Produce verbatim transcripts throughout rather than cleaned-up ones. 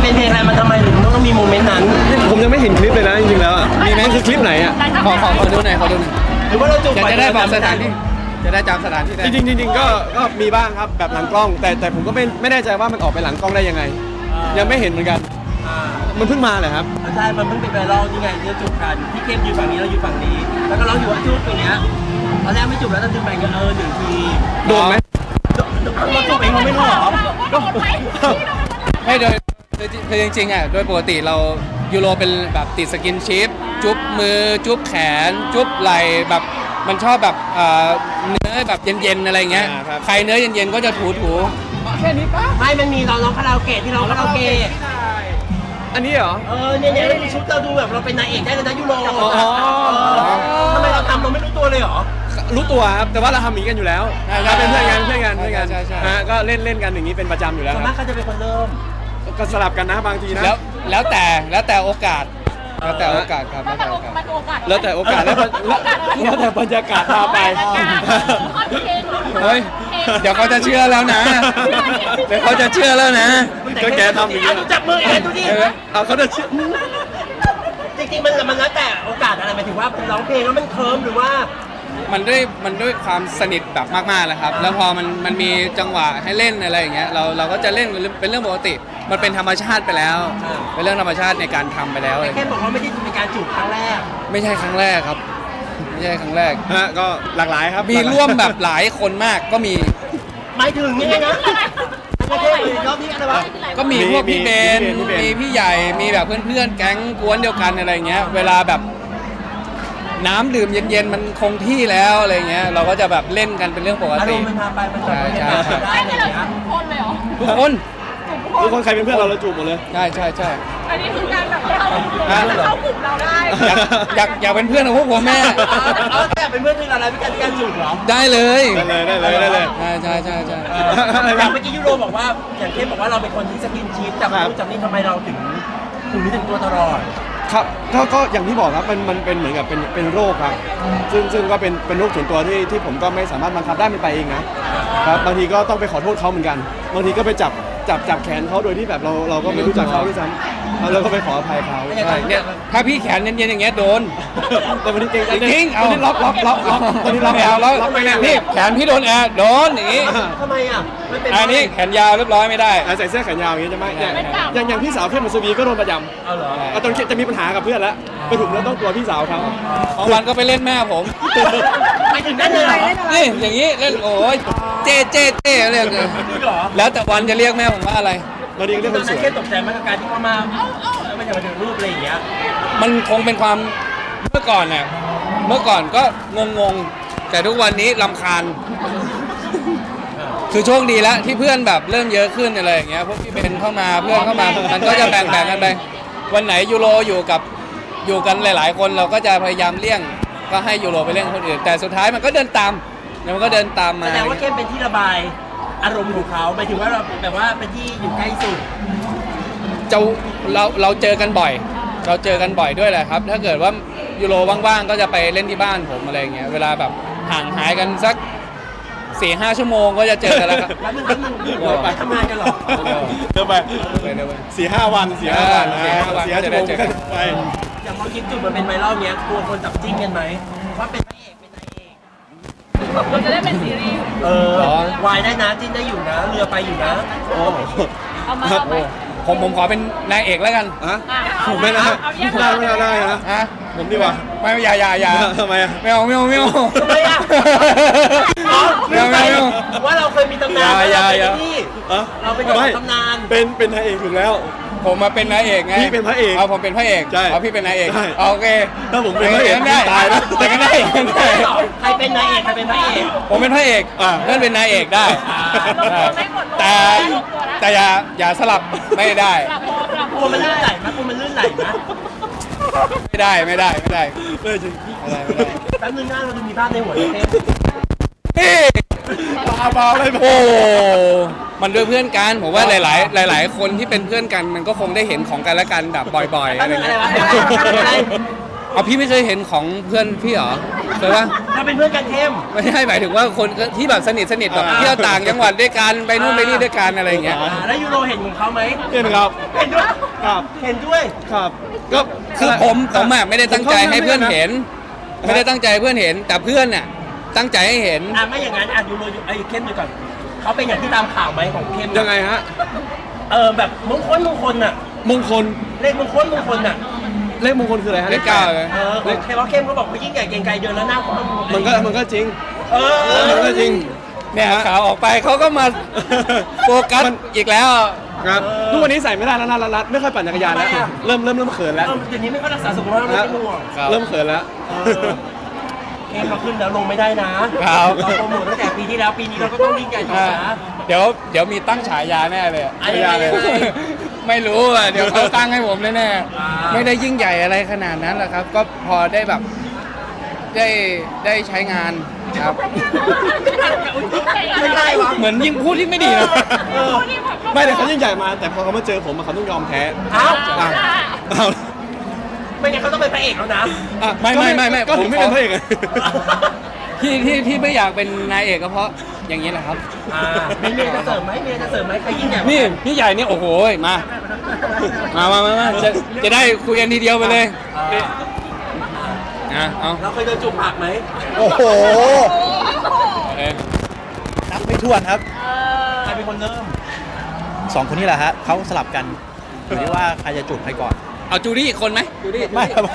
เป็นเพลงอะไรมันทำไมถึงต้องมีโมเมนต์นั้นผมยังไม่เห็นคลิปเลยนะจริงๆแล้วอะมีไหมคือคลิปไหนอ่ะขอขอขอดูหน่อยขอดูหน่อยหรือว่าเราจูบจะจะได้บอกสถานที่จะได้จำสถานที่ได้จริงๆจริงๆก็ก็มีบ้างครับแบบหลังกล้อง แต่แต่ผมก็ไม่ไม่แน่ใจว่ามันออกไปหลังกล้องได้ยังไง ยังไม่เห็นเหมือนกันมันเพิ่งมาเลยครับใช่มันเพิ่งเป็นไวรัลนี่ไงที่จูบกันที่เข้มอยู่ฝั่งนี้เราอยู่ฝั่งนี้แล้วก็ร้องอยู่ว่าจูบตรงเนี้ยตอนแรกไม่จูบแล้วตอนจูบไปก็เออหนึ่งทีโดนไหมเราจูบเองเราไม่รู้หรอไม่โดยคือจริงๆอ่ะโดยปกติเรายูโรเป็นแบบติดสกินชิปจุ๊บมือจุ๊บแขนจุ๊บไหล่แบบมันชอบแบบเนื้อแบบเย็นๆอะไรเงี้ยใครเนื้อเย็นๆก็จะถูๆแค่นี้ปะไม่มันมีเราร้องคาราโอเกะที่ร้องคาราโอเกะอันนี้เหรอเออเนี่ยเนี่ยชุดเราดูแบบเราเป็นนายเอกได้เลยนะยูโรทำไมเราทำเราไม่รู้ตัวเลยเหรอรู้ตัวครับแต่ว่าเราทำอย่างนี้กันอยู่แล้วเป็นเพื่อนกันเพื่อนกันเพื่อนกันฮะก็เล่นเล่นกันอย่างนี้เป็นประจำอยู่แล้วส่วนมากเขาจะเป็นคนเริ่มก็สลับกันนะบางทีนะแล้วแล้วแต่แล้วแต่โอกาสแล้วแต่โอกาสครับแล้วแต่โอกาสแล้วแต่โอกาสแล้วแล้วแต่บรรยากาศพาไปเฮ้ยเดี๋ยวเขาจะเชื่อแล้วนะเดี๋ยวเขาจะเชื่อแล้วนะก็แกทำอย่างนี้จับมือเองดูดิเอาเขาจะเชื่อจริงๆมันมันแล้วแต่โอกาสอะไรหมายถึงว่าร้องเพลงแล้วมันเคิร์มหรือว่ามันด้วยมันด้วยความสนิทแบบมากๆเลยครับแล้วพอมันมันมีจังหวะให้เล่นอะไรอย่างเงี้ยเราเราก็จะเล่นเป็นเรื่องปกติมันเป็นธรรมชาติไปแล้วเป็นเรื่องธรรมชาติในการทำไปแล้วแค่บอกว่าไม่ได้เป็นการจูบครั้งแรกไม่ใช่ครั้งแรกครับไม่ใช่ครั้งแรกฮะก็หลากหลายครับมีร่วมแบบหลายคนมากก็มีหมายถึงยังไงนะรอบนี้อะไรวะก็มีพวกพี่เบนมีพี่ใหญ่มีแบบเพื่อนๆแก๊งกวนเดียวกันอะไรเงี้ยเวลาแบบน้ำดื่มเย็นๆมันคงที่แล้วอะไรเงี้ยเราก็จะแบบเล่นกันเป็นเรื่องปกติอารมณ์มันพาไปมันใช่ใช่ได้เลยทุกคนเลยเหรอทุกคนทุกคนใครเป็นเพื่อนเราเราจูบหมดเลยใช่ใช่ใช่อันนี้คือการแบบเข้าเข้ากลุ่มเราได้อยากอยากเป็นเพื่อนของพวกผมแม่แต่เป็นเพื่อนที่เราอะไรเป็นการการจูบเหรอได้เลยได้เลยได้เลยได้เลยใช่ใช่ใช่ใช่อย่างเมื่อกี้ยูโรบอกว่าอย่างเทพบอกว่าเราเป็นคนที่สกินชิปจากรู้จากนี่ทำไมเราถึงถึงนี้ถึงตัวตลอดครับก็ก็อย่างที่บอกครับมันมันเป็นเหมือนกับเป็นเป็นโรคครับซึ่งซึ่งก็เป็นเป็นโรคส่วนตัวที่ที่ผมก็ไม่สามารถบังคับได้มันไปเองนะครับบางทีก็ต้องไปขอโทษเขาเหมือนกันบางทีก็ไปจับจับจับแขนเขาโดยที่แบบเราเราก็ไม่รู้จักเขาด้วยซ้ำเราก็ไปขออภัยเขาเนี่ยถ้าพี่แขนเย็นๆอย่างเงี้ยโดนแต่วันนี้เก่งจริงเอาล็อกล็อกล็อกล็อกตอนนี้ล็อกแล้วล็อกไปแล้วพี่แขนพี่โดนแอร์โดนอย่างงี้ทำไมอ่ะอันนี้แขนยาวเรียบร้อยไม่ได้ใส่เสื้อแขนยาวอย่างงี้จะไม่อย่างอย่างพี่สาวเข้มมัสวีก็โดนประจำเอาเหรอตอนจะมีปัญหากับเพื่อนแล้วไปถูกแล้วต้องตัวพี่สาวเขาบางวันก็ไปเล่นแม่ผมไปถึงนั่นเลยนี่อย่างงี้เล่นโอ้ยเจ๊เจ๊เจ๊เรียกแล้วแต่วันจะเรียกแม่ผมว่าอะไรเราเรียกเรียกคนสวยแค่ตกใจมากกับการที่เขามาเอ้าเอ้าแล้วมันจะมาถึงรูปอะไรอย่างเงี้ยมันคงเป็นความเมื่อก่อนน่ะเมื่อก่อนก็งงๆแต่ทุกวันนี้รำคาญคือโชคดีแล้วที่เพื่อนแบบเริ่มเยอะขึ้นอะไรอย่างเงี้ยพวกพี่เบนเข้ามาเพื่อนเข้ามามันก็จะแบ่งๆกันไปวันไหนยูโรอยู่กับอยู่กันหลายๆคนเราก็จะพยายามเลี่ยงก็ให้ยูโรไปเล่นคนอื่นแต่สุดท้ายมันก็เดินตามมันก็เดินตามมาแสดงว่าเข้มเป็นที่ระบายอารมณ์ของเขาหมายถึงว่าเราแบบว่าเป็นที่อยู่ใกล้สุดจะเราเราเจอกันบ่อยเราเจอกันบ่อยด้วยแหละครับถ้าเกิดว่ายูโรว่างๆก็จะไปเล่นที่บ้านผมอะไรเงี้ยเวลาแบบห่างหายกันสักสี่ห้าชั่วโมงก็จะเจอกันแล้วครับแล้วมึงแล้วมึงไปทำงานกันหรอเดินไปสี่ห้าวันสี่ห้าวันสี่ห้าวันจะได้เจอกันไปอย่างพอคลิปจุดมันเป็นไวรัลเนี้ยกลัวคนจับจิ้งกันไหมว่าเป็นพระเอกเป็นนายเอกเราจะได้เป็นซีรีส์เออวายได้นะจิ้นได้อยู่นะเรือไปอยู่นะโอ้เอามาเอาไปผมผมขอเป็นนายเอกแล้วกันฮะผมไม่ได้ได้ไม่ได้นะฮะผมดีกว่าไม่อย่าอย่าอย่าทำไมอ่ะไม่เอาไม่เอาไม่เอาทำไมอ่ะไม่เอาไม่เอาว่าเราเคยมีตำนานอย่าอย่าเราเป็นตำนานเป็นเป็นนายเอกถูกแล้วผมมาเป็นนายเอกไงพี่เป็นพระเอกเอาผมเป็นพระเอกใช่เอาพี่เป็นนายเอกโอเคถ้าผมเป็นพระเอกได้ตายแล้วแต่ก็ได้ใครเป็นนายเอกใครเป็นพระเอกผมเป็นพระเอกเพื่อนเป็นนายเอกได้แต่แต่อย่าอย่าสลับไม่ได้กลัวมันลื่นไหลมั้ยกลัวมันลื่นไหลมั้ยไม่ได้ไม่ได้ไม่ได้ไม่จริงไม่ได้ไม่ได้แป๊บนึงหน้าเราดูมีภาพในหัวเลยเต้บ้าบ้าเลยโอ้มันด้วยเพื่อนกันผมว่าหลายๆหลายๆคนที่เป็นเพื่อนกันมันก็คงได้เห็นของกันและกันแบบบ่อยๆอะไรเงี้ยเอาพี่ไม่เคยเห็นของเพื่อนพี่เหรอเคยปะเราเป็นเพื่อนกันเข้มไม่ใช่หมายถึงว่าคนที่แบบสนิทสนิทแบบเที่ยวต่างจังหวัดด้วยกันไปนู่นไปนี่ด้วยกันอะไรอย่างเงี้ยอ่าแล้วยูโรเห็นของเขาไหมเห็นครับเห็นด้วยครับเห็นด้วยครับก็คือผมผมอะไม่ได้ตั้งใจให้เพื่อนเห็น ไม่ได้ตั้งใจให้เพื่อนเห็น แต่เพื่อนน่ะตั้งใจให้เห็นอ่ะไม่อย่างนั้นอ่ะยูโรอยู่ไอ้เข้มอยู่ก่อนเขาเป็นอย่างที่ตามข่าวไหมของเข้มยังไงฮะเออแบบมงคลมงคลน่ะมงคลเลขมงคลมงคลน่ะเลขมงคลคืออะไรฮะเลขเก้าแปดเลยเออของใครว่าเข้มเขาบอกเขายิ่งใหญ่เกรียงไกรเดินแล้วหน้าคว่ำมันก็มันก็จริงเออมันก็จริงเนี่ยข่าวออกไปเขาก็มาโฟกัสมันอีกแล้วครับทุกวันนี้ใส่ไม่ได้แล้วนะรัดๆไม่ค่อยปั่นจักรยานแล้วทำไมอะเริ่มเริ่มเริ่มเขินแล้วเออเดี๋ยวนี้ไม่ค่อยรักษาสุขภาพไม่เป็นห่วงครับเริ่มเขินแล้วเออเข้มเราขึ้นแล้วลงไม่ได้นะครับ เราโปรโมทตั้งแต่ปีที่แล้วปีนี้เราก็ต้องยิ่งใหญ่ต่ออ่านะเดี๋ยวเดี๋ยวมีตั้งฉายาแน่เลยอะอะไรยังไงไม่รู้อ่ะเดี๋ยวเขาตั้งให้ผมแน่อ่าๆไม่ได้ยิ่งใหญ่อะไรขนาดนั้นหรอกครับ ก็พอได้แบบได้ได้ใช้งานครับไม่ได้วะเหมือนยิ่งพูดที่ไม่ดีนะเออไม่แต่เขายิ่งใหญ่มา แต่พอเขามาเจอผมอะเขาต้องยอมแพ้เอ้าอ่ะอ้าวไม่งั้นเขาต้องเป็นพระเอกแล้วนะอ่ะไม่ไม่ไม่ไม่ก็ถึงไม่ผมขอเป็นพระเอกไงที่ที่ที่ไม่อยากเป็นนายเอกก็เพราะอย่างนี้แหละครับอ่ามีเมียจะเสริมไหมเมียจะเสริมไหมใครยิ่งใหญ่กว่านี่พี่ใหญ่นี่โอ้โหมา มามามามาจะจะได้คุยกันทีเดียวไปเลยอ่าอ่ะเอาเราเคยโดนจูบปากไหมโอ้โหเอ้ยนับไม่ถ้วนครับใครเป็นคนเริ่มสองคนนี้แหละฮะเขาสลับกันอยู่ที่ว่าใครจะจูบใครก่อนเอาจูดี้อีกคนไหมจูดี้ไม่ครับ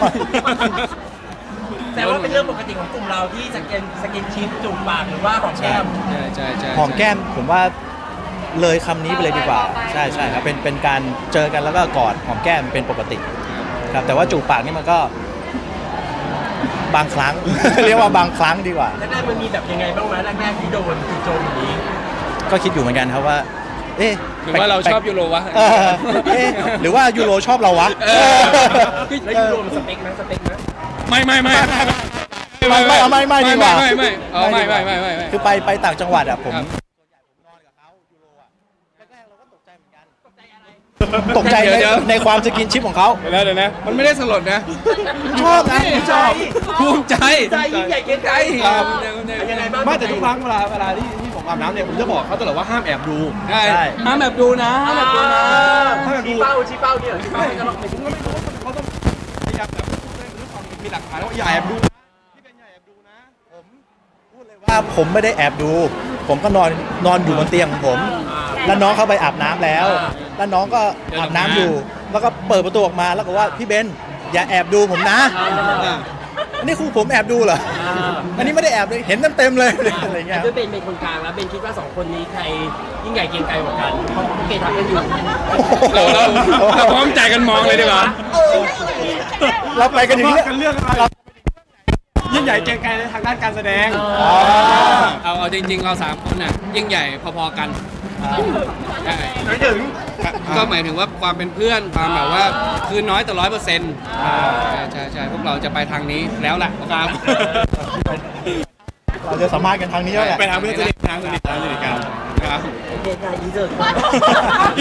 แต่ว่าเป็นเรื่องปกติของกลุ่มเราที่สกินสกินชิปจูบปากหรือว่าหอมแก้มใช่ใช่ใช่หอมแก้มผมว่าเลยคำนี้ไปเลยดีกว่า ใช่ใช่ครับเป็นเป็นการเจอกันแล้วก็กอดหอมแก้มเป็นปกติครับแต่ว่าจูบปากนี่มันก็ บางครั้ง เรียกว่าบางครั้งดีกว่าแรกๆมันมีแบบยังไงบ้างไหมแรกๆที่โดนถูกโจมอย่างนี้ก็คิดอยู่เหมือนกันครับว่า เอ๊ะหรือว่าเราชอบยูโรวะเออเอ๊ะหรือว่ายูโรชอบเราวะเออแล้วยูโรมันสเปคไหมสเปคไหมไม่ไม่ไม่ไม่ไม่เอาไม่ไม่ดีกว่าไม่ไม่เออไม่ไม่ไม่ไม่ไม่คือไปไปต่างจังหวัดอะผมครับตกใจเดี๋ยวในเดี๋ยวในความสกินชิปของเขาเดี๋ยวนะเดี๋ยวนะมันไม่ได้สลดนะชอบนะชอบภูมิใจใจยิ่งใหญ่เกรียงไกรครับยังไงบ้างไม่แต่ทุกครั้งเวลาเวลาที่ที่ผมอาบน้ำเนี่ยผมจะบอกเขาตลอดว่าห้ามแอบดูใช่ใช่ห้ามแบบดูนะห้ามแบบดูนะถ้าแบบดูชี้เป้าชี้เป้าเนี่ยชี้เป้าไม่จะลองไปผมก็ไม่รู้ว่าเขาต้องพยายามแบบพูดด้วยความมีหลักฐานว่าอย่าแอบดูนะพี่เป็นอย่าแอบดูนะว่าผมไม่ได้แอบดู ผมก็นอนนอนอยู่บนเตียงของผม แล้วน้องเข้าไปอาบน้ำแล้ว แล้วน้องก็อาบน้ำอยู่ แล้วก็เปิดประตูออกมาแล้วก็ว่าพี่เบนอย่าแอบดูผมนะอันนี้ครูผมแอบดูเหรออันนี้ไม่ได้แอบเลยเห็นเต็มๆเลยอะไรเงี้ยด้วยเบนเป็นคนกลางแล้วเบนคิดว่าสองคนนี้ใครยิ่งใหญ่เกรียงไกรกว่ากันเพราะเขาเกย์ทำกันอยู่เราเราเราพร้อมใจกันมองเลยดีกว่าเราไปกันถึงว่าเรื่องกันเรื่องอะไรยิ่งใหญ่เกรียงไกรในทางด้านการแสดงเอาเอาจริงๆเราสามคนน่ะยิ่งใหญ่พอๆกันใช่ไม่ถึงก็หมายถึงว่าความเป็นเพื่อนความแบบว่าคือน้อยแต่ร้อยเปอร์เซ็นต์ใช่ใช่ใช่พวกเราจะไปทางนี้แล้วแหละครับเราจะสามารถกันทางนี้แล้วแหละไปทางเพื่อนสนิททางสนิททางสนิทกันนะครับโอเคค่ะอีเจอร์